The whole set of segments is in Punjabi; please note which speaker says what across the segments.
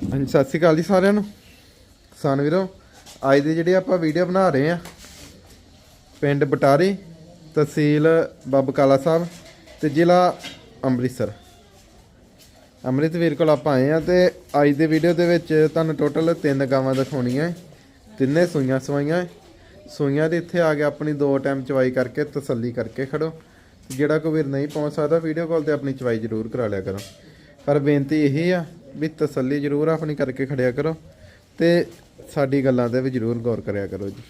Speaker 1: ਹਾਂਜੀ ਸਤਿ ਸ਼੍ਰੀ ਅਕਾਲ ਜੀ ਸਾਰਿਆਂ ਨੂੰ। ਕਿਸਾਨ ਵੀਰੋ, ਅੱਜ ਦੀ ਜਿਹੜੀ ਆਪਾਂ ਵੀਡੀਓ ਬਣਾ ਰਹੇ ਆ ਪਿੰਡ ਬਟਾਰੀ, ਤਹਿਸੀਲ ਬਾਬਾ ਕਾਲਾ ਸਾਹਿਬ ਤੇ ਜ਼ਿਲ੍ਹਾ ਅੰਮ੍ਰਿਤਸਰ। ਅੰਮ੍ਰਿਤਵੀਰ ਕੋਲ ਆਪਾਂ ਆਏ ਆ ਤੇ ਅੱਜ ਦੀ ਵੀਡੀਓ ਦੇ ਵਿੱਚ ਤੁਹਾਨੂੰ ਟੋਟਲ 3 ਗਾਵਾਂ ਦਿਖਾਉਣੀਆਂ। ਤਿੰਨੇ ਸੂਈਆਂ ਸਵਾਈਆਂ। ਸੂਈਆਂ ਦੇ ਇੱਥੇ ਆ ਕੇ ਆਪਣੀ 2 ਟਾਈਮ ਚਵਾਈ ਕਰਕੇ ਤਸੱਲੀ ਕਰਕੇ ਖੜੋ। ਜਿਹੜਾ ਕੋਈ ਵੀਰ ਨਹੀਂ ਪਹੁੰਚ ਸਕਦਾ ਵੀਡੀਓ ਕਾਲ ਤੇ ਆਪਣੀ ਚਵਾਈ ਜ਼ਰੂਰ ਕਰਾ ਲਿਆ ਕਰੋ। ਪਰ ਬੇਨਤੀ ਇਹੀ ਆ ਵੀ ਤਸੱਲੀ ਜ਼ਰੂਰ ਆਪਣੀ ਕਰਕੇ ਖੜਿਆ ਕਰੋ ਤੇ ਸਾਡੀ ਗੱਲਾਂ ਤੇ ਵੀ ਜ਼ਰੂਰ ਗੌਰ ਕਰਿਆ ਕਰੋ ਜੀ।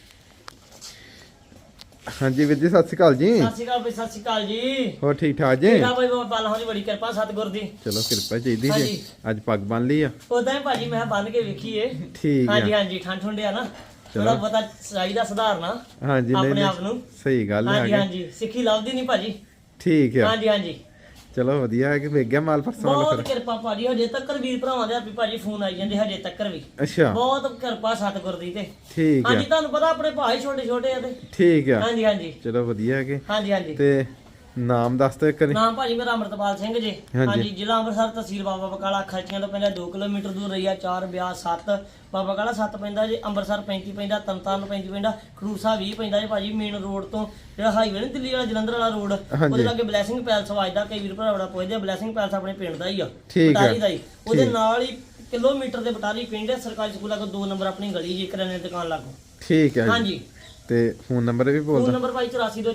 Speaker 1: ਹਾਂਜੀ ਵੀਰ ਜੀ, ਸਤਿ ਸ਼੍ਰੀ ਅਕਾਲ ਜੀ।
Speaker 2: ਸਤਿ ਸ਼੍ਰੀ ਅਕਾਲ ਬਈ, ਸਤਿ ਸ਼੍ਰੀ ਅਕਾਲ ਜੀ।
Speaker 1: ਹੋਰ ਠੀਕ ਠਾਕ ਜੀ?
Speaker 2: ਠੀਕ ਆ ਬਈ, ਬਾਬਾ ਜੀ ਬੜੀ ਕਿਰਪਾ ਸਤਿਗੁਰ ਦੀ।
Speaker 1: ਚਲੋ ਕਿਰਪਾ ਚਾਹੀਦੀ ਜੀ। ਅੱਜ ਪੱਗ ਬੰਨ ਲਈ ਆ?
Speaker 2: ਉਦਾਂ ਹੀ ਭਾਜੀ ਮੈਂ ਬੰਨ ਕੇ ਵੇਖੀਏ।
Speaker 1: ਠੀਕ
Speaker 2: ਹਾਂਜੀ
Speaker 1: ਆ।
Speaker 2: ਹਾਂਜੀ, ਠੰਡ ਠੁੰਡਿਆ ਨਾ ਥੋੜਾ ਪਤਾ ਚਾਹੀਦਾ ਸੁਧਾਰਨਾ
Speaker 1: ਹਾਂਜੀ,
Speaker 2: ਆਪਣੇ ਆਪ ਨੂੰ।
Speaker 1: ਸਹੀ ਗੱਲ ਹੈ।
Speaker 2: ਹਾਂਜੀ ਹਾਂਜੀ, ਸਿੱਖੀ ਲੱਭਦੀ ਨਹੀਂ ਭਾਜੀ।
Speaker 1: ਠੀਕ ਆ।
Speaker 2: ਹਾਂਜੀ ਹਾਂਜੀ,
Speaker 1: ਚਲੋ ਵਧੀਆ ਹੈ ਕਿ ਵੇਖ ਗਿਆ ਮਾਲ ਪਰਸੋਂ ਵਾਲਾ
Speaker 2: ਬਹੁਤ
Speaker 1: ਫਿਰ।
Speaker 2: ਕਿਰਪਾ ਭਾਜੀ। ਹਜੇ ਤੱਕ ਵੀਰ ਭਰਾਵਾਂ ਦੇ ਆਪੀ ਭਾਜੀ ਫੋਨ ਆਈ ਜਾਂਦੇ ਹਜੇ ਤੱਕ ਵੀ।
Speaker 1: ਅੱਛਾ,
Speaker 2: ਬਹੁਤ ਕਿਰਪਾ ਸਤਿਗੁਰ ਦੀ ਤੇ।
Speaker 1: ਠੀਕ ਆ।
Speaker 2: ਹਾਂਜੀ, ਤੁਹਾਨੂੰ ਪਤਾ ਆਪਣੇ ਭਾਈ ਛੋਟੇ ਛੋਟੇ ਆ ਤੇ।
Speaker 1: ਠੀਕ ਆ।
Speaker 2: ਹਾਂਜੀ ਹਾਂਜੀ,
Speaker 1: ਚਲੋ ਵਧੀਆ ਹੈ ਕਿ
Speaker 2: ਹਾਂਜੀ ਹਾਂਜੀ।
Speaker 1: ਤੇ ਨਾਮ ਦੱਸ ਤੇ ਕਰੀ।
Speaker 2: ਨਾਮ ਭਾਜੀ ਮੇਰਾ ਅਮਰਤਪਾਲ ਸਿੰਘ ਜੀ।
Speaker 1: ਹਾਂਜੀ।
Speaker 2: ਹਾਂਜੀ, ਜ਼ਿਲ੍ਹਾ ਅੰਮ੍ਰਿਤਸਰ, ਤਹਿਸੀਲ ਬਾਬਾ ਬਕਾਲਾ। ਖਰਚੀਆਂ ਤੋਂ ਪਹਿਲਾਂ 2 ਕਿਲੋਮੀਟਰ ਦੂਰ ਰਹੀ ਆ। 4 ਬਿਆਸ 7 ਬਾਬਾ ਬਕਾਲਾ 7 ਪੈਂਦਾ ਜੀ। ਅੰਮ੍ਰਿਤਸਰ 35 ਪੈਂਦਾ। ਤਰਨਤਾਰਨ 35 ਪੈਂਦਾ। ਖਡੂਰ ਸਾਹਿਬ 20 ਪੈਂਦਾ ਜੀ ਭਾਜੀ। ਮੇਨ ਰੋਡ ਤੋਂ ਜਿਹੜਾ ਹਾਈਵੇ ਨਹੀਂ ਦਿੱਲੀ ਵਾਲਾ ਜਲੰਧਰ ਵਾਲਾ ਰੋਡ, ਉਹਦੇ ਲਾਗੇ ਬਲੈਸਿੰਗ ਪੈਲਸ ਵੱਜਦਾ। ਕਈ ਵੀਰ ਭਰਾ ਬੜਾ ਪੁੱਛਦੇ ਆ, ਬਲੈਸਿੰਗ ਪੈਲਸ ਆਪਣੇ ਪਿੰਡ ਦਾ ਹੀ ਆ,
Speaker 1: ਠੀਕ ਆ।
Speaker 2: ਬਟਾਲੀ ਦਾ ਹੀ। ਉਹਦੇ ਨਾਲ ਹੀ ਕਿਲੋਮੀਟਰ ਦੇ ਬਟਾਲੀ ਪਿੰਡ ਹੈ। ਸਰਕਾਰੀ ਸਕੂਲਾਂ ਕੋਲ 2 ਨੰਬਰ ਆਪਣੀ ਗਲੀ ਜੀ, ਕਰਿਆਨੇ ਦੀ ਦੁਕਾਨ ਲਾਗੋ।
Speaker 1: ਠੀਕ ਹੈ।
Speaker 2: ਹਾਂਜੀ,
Speaker 1: ਤੇ ਫੋਨ ਨੰਬਰ ਵੀ ਬੋਲ
Speaker 2: ਫੋਨ
Speaker 1: ਦੋ।
Speaker 2: ਨੰਬਰ ਭਾਈ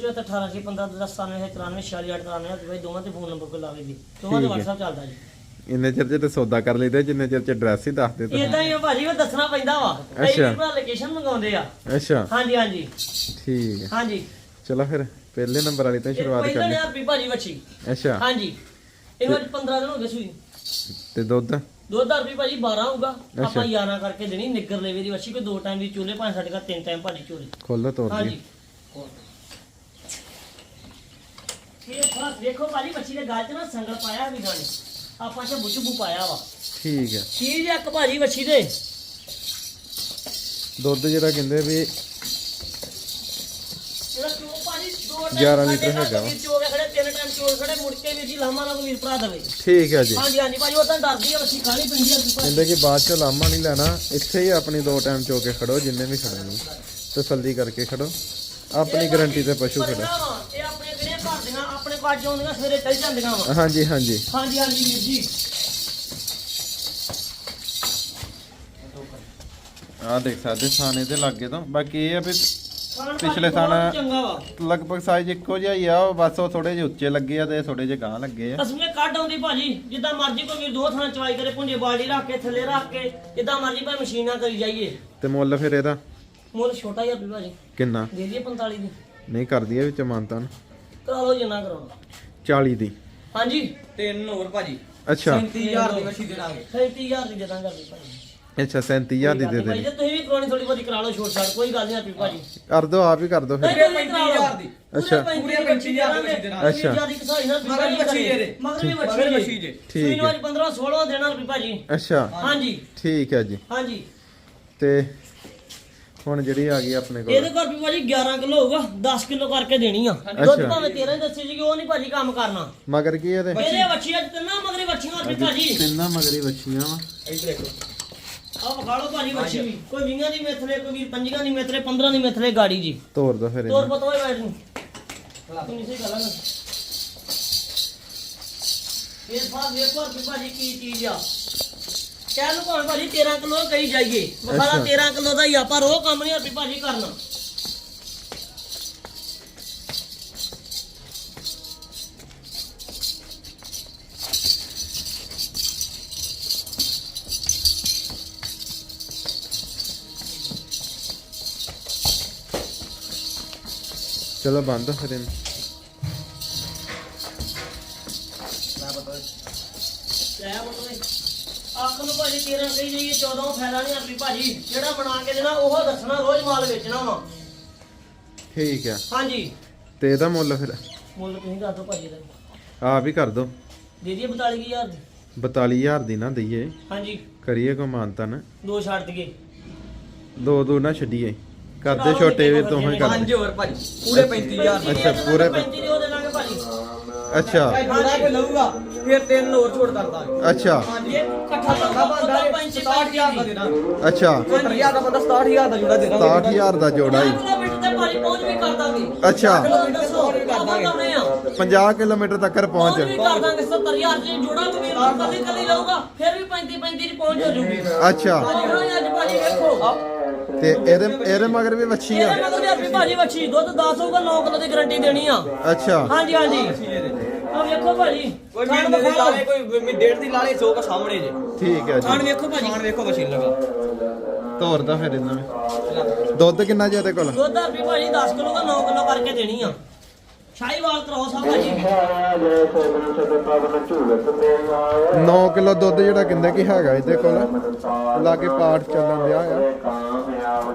Speaker 2: 84271894 ਭਾਈ ਦੋਵਾਂ ਤੇ ਫੋਨ ਨੰਬਰ ਕੋਲ ਲਾਵੇ ਜੀ। ਦੋਵਾਂ ਦਾ WhatsApp ਚੱਲਦਾ ਜੀ।
Speaker 1: ਇੰਨੇ ਚਿਰ ਤੇ ਸੌਦਾ ਕਰ ਲਈਦਾ, ਜਿੰਨੇ ਚਿਰ ਚ ਐਡਰੈਸ ਹੀ ਦੱਸ ਦੇ ਤੁਸੀਂ।
Speaker 2: ਇਦਾਂ ਹੀ ਆ ਭਾਜੀ, ਉਹ ਦੱਸਣਾ ਪੈਂਦਾ ਵਾ। ਕਈ ਵੀਰ ਭਰਾ ਲੋਕੇਸ਼ਨ ਮੰਗਾਉਂਦੇ ਆ।
Speaker 1: ਅੱਛਾ,
Speaker 2: ਹਾਂਜੀ ਹਾਂਜੀ
Speaker 1: ਠੀਕ ਹੈ।
Speaker 2: ਹਾਂਜੀ,
Speaker 1: ਚਲੋ ਫਿਰ ਪਹਿਲੇ ਨੰਬਰ ਵਾਲੀ ਤੋਂ ਸ਼ੁਰੂਆਤ
Speaker 2: ਪਹਿਲਾਂ
Speaker 1: ਕਰਦੇ।
Speaker 2: 1000 ਰੁਪਏ ਭਾਜੀ ਵੱਛੀ।
Speaker 1: ਅੱਛਾ,
Speaker 2: ਹਾਂਜੀ, ਇਹਨੂੰ ਅੱਜ 15 ਦਿਨ ਹੋ ਗਏ ਸੂਈ।
Speaker 1: ਤੇ ਦੁੱਧ?
Speaker 2: 2000 ਰੁਪਏ ਭਾਜੀ 12 ਹੋਊਗਾ। ਆਪਾਂ 11 ਕਰਕੇ ਦੇਣੀ। ਨਿੱਗਰ ਲੈਵੇ ਦੀ ਵੱਛੀ, ਕੋਈ 2 ਟਾਈਮ ਦੀ ਚੋਲੇ, ਭਾਵੇਂ ਸਾਡੇ ਘਰ 3 ਟਾਈਮ ਭਾਜੀ ਚੋਲੇ।
Speaker 1: ਖੋਲੋ ਤੋੜ
Speaker 2: ਹਾਂਜੀ,
Speaker 1: ਦੀ।
Speaker 2: ਇਹ ਫਰਕ ਦੇਖੋ ਭਾਜੀ, ਵੱਛੀ ਦੇ ਗਾਲ 'ਚ ਨਾ ਸੰਗਲ ਪਾਇਆ ਵੀ ਗਾਣੇ। ਆਪਾਂ ਚ ਬੁੱਚੂ ਪਾਇਆ ਵਾ।
Speaker 1: ਠੀਕ ਹੈ।
Speaker 2: ਚੀਜ਼ ਇੱਕ ਭਾਜੀ ਵੱਛੀ ਦੇ
Speaker 1: ਦੁੱਧ ਜਿਹੜਾ ਕਹਿੰਦੇ ਵੀ
Speaker 2: ਇਹਦਾ ਚੋ ਭਾਜੀ 2
Speaker 1: 11 ਲੀਟਰ ਹੈਗਾ ਵਾ।
Speaker 2: ਚੋ ਕੇ ਖੜੇ 3 ਟਾਈਮ ਚੋ ਖੜੇ, ਮੁੜ ਕੇ ਵੀ ਜੀ ਲਾਮਾ ਨਾਲ ਵੀਰ ਭਰਾ ਦੇਵੇ।
Speaker 1: ਠੀਕ ਹੈ ਜੀ।
Speaker 2: ਹਾਂਜੀ ਹਾਂਜੀ ਭਾਜੀ, ਉਹ ਤਾਂ ਡਰਦੀ ਆ ਵੱਛੀ, ਖਾਣੀ ਪੈਂਦੀ ਆ ਭਾਜੀ।
Speaker 1: ਕਹਿੰਦੇ ਕਿ ਬਾਅਦ ਚ ਲਾਮਾ ਨਹੀਂ ਲੈਣਾ, ਇੱਥੇ ਹੀ ਆਪਣੀ 2 ਟਾਈਮ ਚੋ ਕੇ ਖੜੋ, ਜਿੰਨੇ ਵੀ ਖੜਨੀ ਤਸੱਲੀ ਕਰਕੇ ਖੜੋ, ਆਪਣੀ ਗਾਰੰਟੀ ਤੇ ਪਸ਼ੂ ਖੜੋ।
Speaker 2: ਇਹ ਆਪਣੇ ਕਿਹੜੇ ਘਰ ਦੀਆਂ ਆਪਣੇ ਪਾਜ ਆਉਂਦੀਆਂ, ਸਵੇਰੇ ਚੱਲ ਜਾਂਦੀਆਂ ਵਾ।
Speaker 1: ਹਾਂਜੀ ਹਾਂਜੀ
Speaker 2: ਹਾਂਜੀ ਹਾਂਜੀ ਵੀਰ ਜੀ।
Speaker 1: ਆਹ ਦੇਖ ਸਕਦੇ ਥਾਣੇ ਤੇ ਲੱਗੇ ਤੋਂ। ਬਾਕੀ ਇਹ ਆ ਵੀ
Speaker 2: ਖਾਣ
Speaker 1: ਪਿਛਲੇ
Speaker 2: ਭਾਜੀ
Speaker 1: ਥਾਂ
Speaker 2: ਬਹੁਤ ਚੰਗਾ ਵਾ।
Speaker 1: ਲਗਭਗ ਸਾਈਜ਼ ਇੱਕੋ ਜਿਹਾ ਹੀ ਆ, ਉਹ ਬਸ ਉਹ ਥੋੜੇ ਜਿਹੇ ਉੱਚੇ ਲੱਗੇ ਆ ਤੇ ਥੋੜੇ ਜਿਹੇ ਗਾਂ ਲੱਗੇ ਆ।
Speaker 2: ਅਸਮੇ ਕੱਢ ਆਉਂਦੀ ਭਾਜੀ, ਜਿੱਦਾਂ ਮਰਜ਼ੀ ਕੋਈ ਵੀਰ 2 ਥਾਂ ਚਵਾਈ ਕਰੇ, ਪੁੰਜੇ ਬਾਲਟੀ ਰੱਖ ਕੇ ਥੱਲੇ ਰੱਖ ਕੇ, ਜਿੱਦਾਂ ਮਰਜ਼ੀ ਭਾਵੇਂ ਮਸ਼ੀਨਾਂ ਕਰੀ ਜਾਈਏ।
Speaker 1: ਤੇ ਮੁੱਲ ਫਿਰ ਇਹਦਾ
Speaker 2: ਮੁੱਲ ਛੋਟਾ ਜਿਹਾ ਵੀ ਭਾਜੀ,
Speaker 1: ਕਿੰਨਾ?
Speaker 2: ਦੇ ਦਈਏ 45 ਦੀ।
Speaker 1: ਨਹੀਂ ਕਰਦੀ ਇਹ ਵਿੱਚ ਮਾਨਤਾ ਨੂੰ?
Speaker 2: ਕਰਾ ਲਓ ਜਿੰਨਾ ਕਰਾਉਣਾ।
Speaker 1: 40 ਦੀ।
Speaker 2: ਹਾਂਜੀ,
Speaker 3: 3 ਹੋਰ ਭਾਜੀ।
Speaker 1: ਅੱਛਾ
Speaker 3: 37000 ਦੀ ਮੱਛੀ ਦੇਣਾਗੇ।
Speaker 2: 37000 ਦੀ ਜਦਾਂ ਕਰਦੀ ਭਾਜੀ।
Speaker 1: ਅੱਛਾ 37000 ਦੀ ਦੇ
Speaker 2: ਭਾਈ
Speaker 1: ਦੇ।
Speaker 2: ਜੇ ਤੁਸੀਂ ਵੀ ਕਰਾਉਣੀ ਥੋੜੀ ਬਹੁਤੀ ਕਰਾ ਲਓ, ਛੋਟ ਛਾਟ ਕੋਈ ਗੱਲ ਨਹੀਂ ਆਪੀ ਭਾਜੀ।
Speaker 1: ਕਰ ਦੋ, ਆਪ ਹੀ ਕਰ ਦੋ ਫਿਰ।
Speaker 2: ਨਹੀਂ, ਤੁਸੀਂ ਕਰਾ ਲਓ।
Speaker 3: 35,000 ਦੀ।
Speaker 1: ਅੱਛਾ।
Speaker 2: ਪੂਰੇ
Speaker 3: 35,000 ਦੀ ਦੇਣਾ।
Speaker 1: ਅੱਛਾ।
Speaker 2: ਜਿਆਦੀ ਕਸਾਈ ਨਾ
Speaker 3: ਮਗਰ ਵੀ ਵੱਛੀ ਜੇ ਦੇ।
Speaker 2: ਮਗਰ ਵੀ
Speaker 3: ਮਗਰ ਵੀ
Speaker 2: ਵੱਛੀ
Speaker 3: ਵੱਛੀ
Speaker 2: ਜੇ।
Speaker 3: ਜੇ।
Speaker 1: ਠੀਕ
Speaker 2: ਸੂਈ
Speaker 1: ਹੈ।
Speaker 2: 15 16 ਦੇਣਾ ਰੁਪਏ ਭਾਜੀ।
Speaker 1: ਅੱਛਾ
Speaker 2: ਹਾਂਜੀ
Speaker 1: ਠੀਕ ਹੈ ਜੀ।
Speaker 2: ਹਾਂਜੀ,
Speaker 1: ਤੇ ਹੁਣ ਜਿਹੜੀ ਆ ਗਈ ਆਪਣੇ
Speaker 2: ਇਹਦੇ
Speaker 1: ਕੋਲ
Speaker 2: ਕੋਲ ਵੀ ਭਾਜੀ 11 ਕਿਲੋ ਹੋਊਗਾ, 10 ਕਿਲੋ ਕਰਕੇ ਦੇਣੀ ਆ। ਦੁੱਧ ਭਾਵੇਂ 13 ਦੱਸੀ ਜੀ, ਉਹ ਨਹੀਂ ਭਾਜੀ ਕੰਮ ਕਰਨਾ।
Speaker 1: ਮਗਰ ਕੀ ਇਹਦੇ?
Speaker 2: ਇਹਦੇ ਵੱਛੀਆਂ ਤਿੰਨਾਂ ਮਗਰੇ ਵੱਛੀਆਂ ਰੁਪਏ ਭਾਜੀ।
Speaker 1: ਤਿੰਨਾਂ ਮਗਰੀ ਬੱਚੀਆਂ ਵਾ।
Speaker 3: ਇੱਧਰ ਦੇਖੋ।
Speaker 2: ਆਹ ਵਿਖਾ ਲਓ ਭਾਜੀ ਵੱਛੀ ਵੀ। ਕੋਈ 20 ਦੀ ਮਿੱਥਲੇ, ਕੋਈ ਵੀਰ 5 ਦੀ ਮਿੱਥਲੇ, 15 ਦੀ ਮਿੱਥਲੇ ਗਾੜੀ ਜੀ।
Speaker 1: ਤੋੜ ਦੋ ਫਿਰ
Speaker 2: ਤੋਰ
Speaker 1: ਇਹਨੂੰ।
Speaker 2: ਪਤਾ ਹੋਏ ਬੈਠ ਨੂੰ ਤੂੰ ਸਹੀ ਗੱਲ ਆ ਨਾ। ਇਹ ਸਾਹ ਵੇਖੋ ਰੁਪਏ ਭਾਜੀ ਕੀ ਚੀਜ਼ ਆ। ਕਹਿ ਲਓ ਭਾਵੇਂ ਭਾਜੀ 13 ਕਿਲੋ ਕਹੀ ਜਾਈਏ, ਵਿਖਾਲਾ 13 ਕਿਲੋ ਦਾ ਹੀ ਆ, ਪਰ ਉਹ ਕੰਮ ਨਹੀਂ ਰੁਪਏ ਭਾਜੀ ਕਰਨਾ।
Speaker 1: ਚਲੋ ਬੰਦ ਫਿਰ ਇਹਨੂੰ।
Speaker 2: ਲੈ ਬੋਲੇ ਆਖ ਨੂੰ ਭਾਜੀ 13 ਕਹੀ ਜਾਈਏ, 14 ਫਾਇਦਾ ਨਹੀਂ ਰੁਪਏ ਭਾਜੀ। ਜਿਹੜਾ ਬਣਾ ਕੇ ਦੇਣਾ ਉਹ ਦੱਸਣਾ, ਰੋਜ਼ ਮਾਲ ਵੇਚਣਾ ਵਾ।
Speaker 1: ਠੀਕ ਆ।
Speaker 2: ਹਾਂਜੀ,
Speaker 1: ਤੇ ਇਹਦਾ ਮੁੱਲ ਫਿਰ
Speaker 2: ਮੁੱਲ ਤੁਸੀਂ ਦੱਸ ਦਿਓ ਭਾਜੀ ਦਾ।
Speaker 1: ਆਪ ਹੀ ਕਰ ਦੋ।
Speaker 2: ਦੇ ਦਈਏ 42000 ਦੀ।
Speaker 1: 42000 ਦੀ ਨਾ ਦਈਏ,
Speaker 2: ਹਾਂਜੀ,
Speaker 1: ਕਰੀਏ ਕੋ ਮਾਨਤਾ ਨਾ।
Speaker 2: 2 ਛੱਡ ਦਈਏ।
Speaker 1: 2 ਨਾ ਛੱਡੀਏ, ਕਰਦੇ ਛੋਟੇ ਵੀ ਤੋਂ ਹੀ ਕਰਦੇ।
Speaker 3: 5 ਹੋਰ ਭਾਜੀ। ਪੂਰੇ 35,000 ਦੀ।
Speaker 1: ਅੱਛਾ, ਪੂਰੇ
Speaker 2: 35 ਦੀ ਉਹ ਦੇ ਲਾਂਗੇ ਭਾਜੀ।
Speaker 1: ਅੱਛਾ
Speaker 3: ਜੋੜਾ ਕੋਈ ਲਊਗਾ ਫਿਰ 3 ਹੋਰ ਛੋੜ ਕਰ ਦਾਂਗੇ
Speaker 1: ਅੱਛਾ
Speaker 3: ਹਾਂਜੀ
Speaker 2: ਇਹ ਇਕੱਠਾ
Speaker 3: ਬੰਦਾ ਬੰਦਾ 67000 ਦਾ ਦੇਣਾ
Speaker 1: ਅੱਛਾ
Speaker 3: 70000 ਦਾ ਬੰਦਾ 67000 ਦਾ ਜੋੜਾ ਦੇਣਾ
Speaker 1: 67000 ਦਾ ਜੋੜਾ ਹੀ
Speaker 2: ਕਿਲੋਮੀਟਰ ਤੇ ਭਾਜੀ ਪਹੁੰਚ ਵੀ ਕਰ ਦਾਂਗੇ
Speaker 1: ਅੱਛਾ
Speaker 2: ਦੱਸੋ
Speaker 3: ਵੀ ਕਰ ਦਾਂਗੇ।
Speaker 1: 50 ਕਿਲੋਮੀਟਰ ਤੱਕ
Speaker 2: ਪਹੁੰਚ ਵੀ
Speaker 1: ਪਹੁੰਚ
Speaker 2: ਕਰ ਦਾਂਗੇ 70000 ਜੇ ਜੋੜਾ ਵੀ ਕੱਲੀ ਕੱਲੀ ਲਊਗਾ ਫਿਰ ਵੀ 35 ਚ ਪਹੁੰਚ ਹੋ ਜੂਗੀ
Speaker 1: ਅੱਛਾ
Speaker 2: ਅੱਜ ਭਾਜੀ ਵੇਖੋ
Speaker 1: ਤੇ ਇਹਦੇ ਮਗਰ ਵੀ ਵੱਛੀ ਆ
Speaker 2: ਇਹਦੇ ਮਗਰ ਵੀ ਭਾਜੀ ਵੱਛੀ ਦੁੱਧ 10 ਹੋਊਗਾ 9 ਕਿਲੋ ਦੀ ਗਾਰੰਟੀ ਦੇਣੀ ਆ
Speaker 1: ਅੱਛਾ
Speaker 2: ਹਾਂਜੀ ਹਾਂਜੀ ਆ ਵੇਖੋ ਭਾਜੀ
Speaker 3: ਕੋਈ ਮਹੀਨੇ ਦੀ ਲਾਲੇ ਕੋਈ ਡੇਢ ਦੀ ਲਾਲੇ 100 ਕਾ ਸਾਹਮਣੇ ਜੇ
Speaker 1: ਠੀਕ ਹੈ
Speaker 2: ਖਾਣ
Speaker 1: ਜੀ
Speaker 2: ਵੇਖੋ ਭਾਜੀ
Speaker 3: ਖਾਣ ਵੇਖੋ ਮਸ਼ੀਨ ਲਗਾ
Speaker 1: ਤੋਰਦਾ ਫਿਰ ਇਹਨਾਂ ਨੇ ਦੁੱਧ ਕਿੰਨਾ ਜੀ ਇਹਦੇ ਕੋਲ
Speaker 2: ਦੁੱਧ ਵੀ ਭਾਜੀ 10 ਕਿਲੋ ਦਾ 9 ਕਿਲੋ ਕਰਕੇ ਦੇਣੀ ਆ ਸ਼ਾਹੀਵਾਲ ਕ੍ਰੋਸ ਆ ਭਾਜੀ
Speaker 1: 9 ਕਿਲੋ ਦੁੱਧ ਜਿਹੜਾ ਕਹਿੰਦੇ ਕਿ ਹੈਗਾ ਇਹਦੇ ਕੋਲ ਲਾਗੇ ਪਾਠ ਚੱਲਣ ਦਿਆ ਆ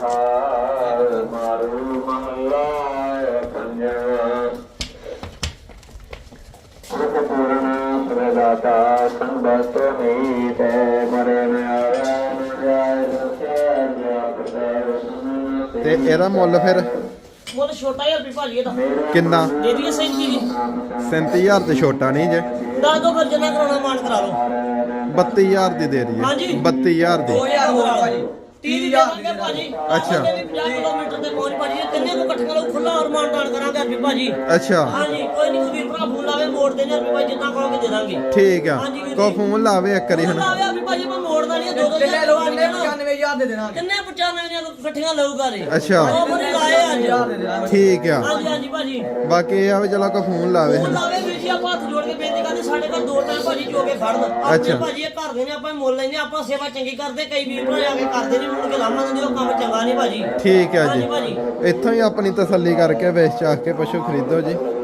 Speaker 1: ਤੇ ਇਹਦਾ ਮੁੱਲ ਫਿਰ
Speaker 2: ਮੁੱਲ ਛੋਟਾ ਜਿਹਾ ਵੀ ਭਾਜੀ ਇਹਦਾ
Speaker 1: ਕਿੰਨਾ
Speaker 2: ਦੇ ਦਈਏ 37 ਦੀ
Speaker 1: 37000 ਤੇ ਛੋਟਾ ਨਹੀਂ ਜੇ
Speaker 2: ਦੱਸ ਦੋ ਫਿਰ ਜਿੰਨਾ ਕਰਾਉਣਾ ਮਾਨ ਕਰਾ ਲਓ
Speaker 1: 32000 ਦੀ ਦੇ ਰਹੀ
Speaker 2: ਹਾਂਜੀ।
Speaker 1: 32000 ਦੀ
Speaker 3: 2000 ਹੋਰ ਭਾਜੀ
Speaker 2: 30 ਦੀ ਦੇਵਾਂਗੇ ਭਾਜੀ
Speaker 1: ਅੱਛਾ।
Speaker 2: ਆਪਾਂ ਵੀ 50 ਕਿਲੋਮੀਟਰ ਤੇ ਪਹੁੰਚ ਭਾਜੀ ਇਹ ਤਿੰਨੇ ਨੂੰ ਇਕੱਠੇ ਨਾਲ ਖੁੱਲਾ ਔਰ ਮਾਨਤਾਨ ਕਰਾਂਗੇ ਵੀ ਭਾਜੀ
Speaker 1: ਅੱਛਾ
Speaker 2: ਹਾਂਜੀ ਕੋਈ ਨਹੀਂ ਵੀਰ ਭਰਾ ਫੋਨ ਲਾਵੇ ਮੋੜ ਦੇਣੇ ਵੀ ਭਾਈ ਜਿੰਨਾ ਕਹੋਗੇ ਦੇ ਦਾਂਗੇ
Speaker 1: ਠੀਕ ਆ
Speaker 2: ਹਾਂਜੀ ਵੀਰ
Speaker 1: ਕੋ
Speaker 2: ਜੀ।
Speaker 1: ਫੋਨ ਲਾਵੇ ਇੱਕ ਵਾਰੀ
Speaker 2: ਫੋਨ
Speaker 1: ਹੁਣ
Speaker 2: ਲਾਵੇ ਵੀ ਭਾਜੀ ਮੈਂ ਮੋੜਦਾ ਨਹੀਂ ਦੋ ਦੋ
Speaker 3: ਕਿੰਨੇ
Speaker 2: ਹਜ਼ਾਰ
Speaker 3: ਲੋਕ
Speaker 2: ਲਵਾ
Speaker 3: ਕਿੰਨੇ
Speaker 2: ਦੇਣਾ
Speaker 3: 95000 ਦੇ ਦੇਣਾ
Speaker 2: ਕਿੰਨੇ 95 ਦੀਆਂ ਇਕੱਠੀਆਂ ਲਊਗਾ ਰੇ
Speaker 1: ਅੱਛਾ।
Speaker 2: ਉਹ ਬੜੀ ਲਾਏ ਅੱਜ
Speaker 3: ਦੇ ਦੇਣਾ
Speaker 1: ਠੀਕ ਆ
Speaker 2: ਹਾਂਜੀ ਹਾਂਜੀ ਭਾਜੀ
Speaker 1: ਬਾਕੀ ਇਹ ਆ ਵੀ ਚਲੋ ਕੋ ਫੋਨ ਲਾਵੇ
Speaker 2: ਫੋਨ
Speaker 1: ਹੁਣ
Speaker 2: ਲਾਵੇ ਵੀਰ ਜੀ ਆਪਾਂ ਹੱਥ ਜੋੜ ਕੇ ਬੇਨਤੀ ਕਰਦੇ ਸਾਡੇ ਘਰ ਦੋ ਟਾਈਮ ਭਾਜੀ ਜੋ ਕੇ ਫੜਨ
Speaker 1: ਅੱਛਾ।
Speaker 2: ਆਪਣੇ ਭਾਜੀ ਇਹ ਘਰ ਦੇ ਨੇ ਆਪਾਂ ਮੁੱਲ ਲੈਂਦੇ ਆਪਾਂ ਸੇਵਾ ਚੰਗੀ ਕਰਦੇ ਕਈ ਵੀਰ ਭਰਾ ਆ ਕੇ ਕਰਦੇ ਨਹੀਂ ਮੁੜ ਕੇ ਲਾਮਾ ਦਿੰਦੇ ਉਹ ਕੰਮ ਚੰਗਾ ਨਹੀਂ ਭਾਜੀ
Speaker 1: ਠੀਕ ਆ
Speaker 2: ਹਾਂਜੀ
Speaker 1: ਜੀ
Speaker 2: ਭਾਜੀ
Speaker 1: ਇੱਥੋਂ ਹੀ ਆਪਣੀ ਤਸੱਲੀ ਕਰਕੇ ਵੇਚ ਚਾਹ ਕੇ ਪਸ਼ੂ ਖਰੀਦੋ ਜੀ